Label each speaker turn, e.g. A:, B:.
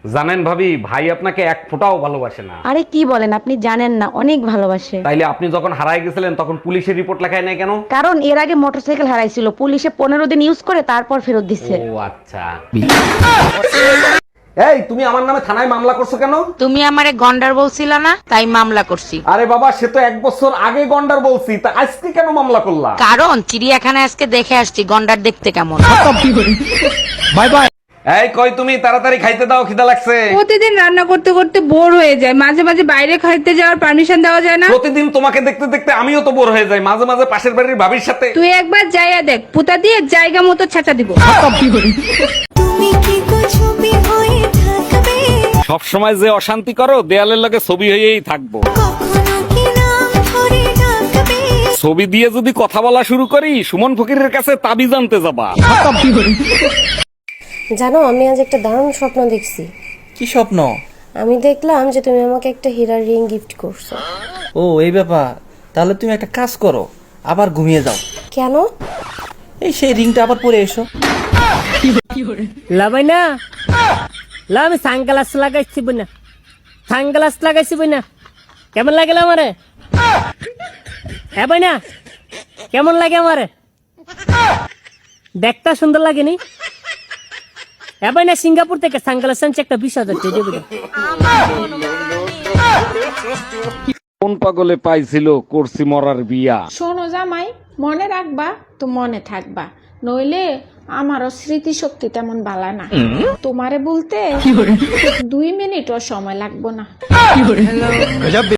A: জানেন ভাবি, ভাই আপনাকে এক ফোঁটাও ভালোবাসে না।
B: আরে কি বলেন, আপনি জানেন না, অনেক ভালোবাসে।
A: তাইলে আপনি যখন হারায় গেছিলেন তখন পুলিশের রিপোর্ট লেখায় নাই কেন?
B: কারণ এর আগে মোটরসাইকেল হারাইছিল, পুলিশে 15 দিন ইউজ করে তারপর ফেরত দিচ্ছে।
A: ও আচ্ছা। এই তুমি আমার নামে থানায় মামলা করছো কেন?
C: তুমি আমারে গন্ডার বলছিলা না, তাই মামলা করছি।
A: আরে বাবা, সে তো 1 বছর আগে গন্ডার বলছি, তা আজকে কেন মামলা করলা?
C: কারণ চিড়িয়াখানায় আজকে দেখে আসছি গন্ডার দেখতে কেমন।
A: Bye bye. এই কই তুমি, তাড়াতাড়ি খাইতে দাও, খিদা লাগছে।
D: প্রতিদিন রান্না করতে করতে বোর হয়ে যায়, মাঝে মাঝে বাইরে খাইতে যাওয়ার পারমিশন দেওয়া যায় না?
A: প্রতিদিন তোমাকে দেখতে দেখতে আমিও তো বোর হয়ে যাই, মাঝে মাঝে পাশের বাড়ির ভাবির সাথে।
D: তুই একবার যাইয়া দেখ, পুতা দিয়ে জায়গা মতো ছাঁচা দিব।
A: সব সময় যে অশান্তি করো, দেয়ালের লগে ছবি হয়েই থাকবো। ছবি দিয়ে যদি কথা বলা শুরু করি, সুমন ফকিরের কাছে তাবিজ আনতে যাবা।
E: জানো, আমি আজ একটা দারুণ স্বপ্ন দেখছি।
F: কি স্বপ্ন?
E: আমি দেখলাম যে তুমি আমাকে একটা হীরার রিং গিফট করছো।
F: ও এই ব্যাপার, তাহলে তুমি একটা কাজ করো, আবার ঘুমিয়ে যাও।
E: কেন?
F: এই সেই রিংটা আবার পরে এসো।
G: লাভাই না লা, আমি সানগ্লাস লাগাইছি বইনা, সানগ্লাস লাগাইছি বইনা। কেমন লাগে আমারে? হ্যাঁ ভাই না, কেমন লাগে আমারে? দেখতে সুন্দর লাগেনি? হ্যাঁ ভাই না, সিঙ্গাপুর থেকে সানগ্লাস আনছে একটা 20,000 দিয়ে দেবে।
A: কোন পাগলে পাইছিল করছি মরার বিয়া।
H: শোনো জামাই, মনে রাখবা তো মনে থাকবা, নইলে আমারও স্মৃতি শক্তি তেমন বালা না। তোমারে বলতে 2 মিনিটও সময় লাগবো না।